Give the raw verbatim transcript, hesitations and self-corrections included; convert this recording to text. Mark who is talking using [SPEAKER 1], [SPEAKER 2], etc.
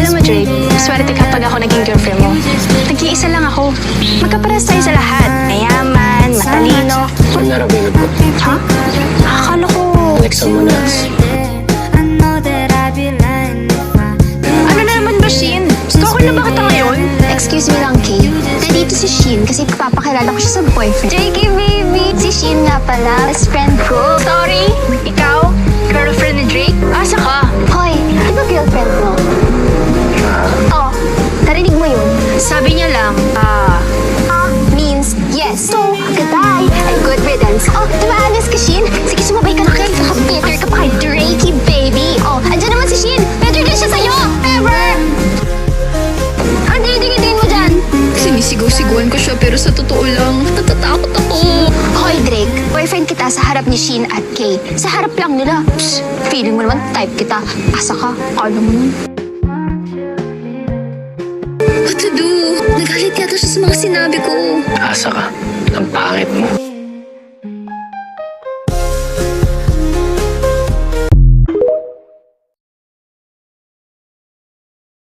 [SPEAKER 1] Alam mo, Drake, swerte kapag ako naging girlfriend mo. Nag-iisa lang ako. Magkaparas tayo sa lahat. Mayaman, matalino.
[SPEAKER 2] I'm not available.
[SPEAKER 1] Ha? Akala ko...
[SPEAKER 2] Like someone else.
[SPEAKER 1] Ano na naman ba, Shin? Stalker na ba kita ngayon?
[SPEAKER 3] Excuse me lang, Kay. Nandito si Shin kasi papakilala ko siya sa boyfriend.
[SPEAKER 1] J K, baby!
[SPEAKER 3] Si Shin nga pala, best friend ko.
[SPEAKER 1] Sorry? Ikaw? Girlfriend ni Drake? Asa ka?
[SPEAKER 3] Hoy, di ba girlfriend mo? Oh, narinig mo yun?
[SPEAKER 1] Sabi niya lang, ah...
[SPEAKER 3] Ah, means yes. So, goodbye and good riddance. Oh, di ba honest ka, Shin? Sige, sumabay ka na kay. Bitter ka pa kay Drakey, baby. Oh, andyan naman si Shin. Better din siya sa'yo. Ever! Ang dinigidin mo dyan.
[SPEAKER 1] Sinisigaw-sigawan ko siya pero sa totoo lang, natatakot ako.
[SPEAKER 3] Hoy, Drake. Boyfriend kita sa harap ni Shin at Kay. Sa harap lang nila. Psst, feeling mo naman type kita. Asa ka? Ano mo nun?
[SPEAKER 1] What to do? Nagalit yata siya sa mga sinabi ko.
[SPEAKER 2] Asa ka. Ang pangit mo.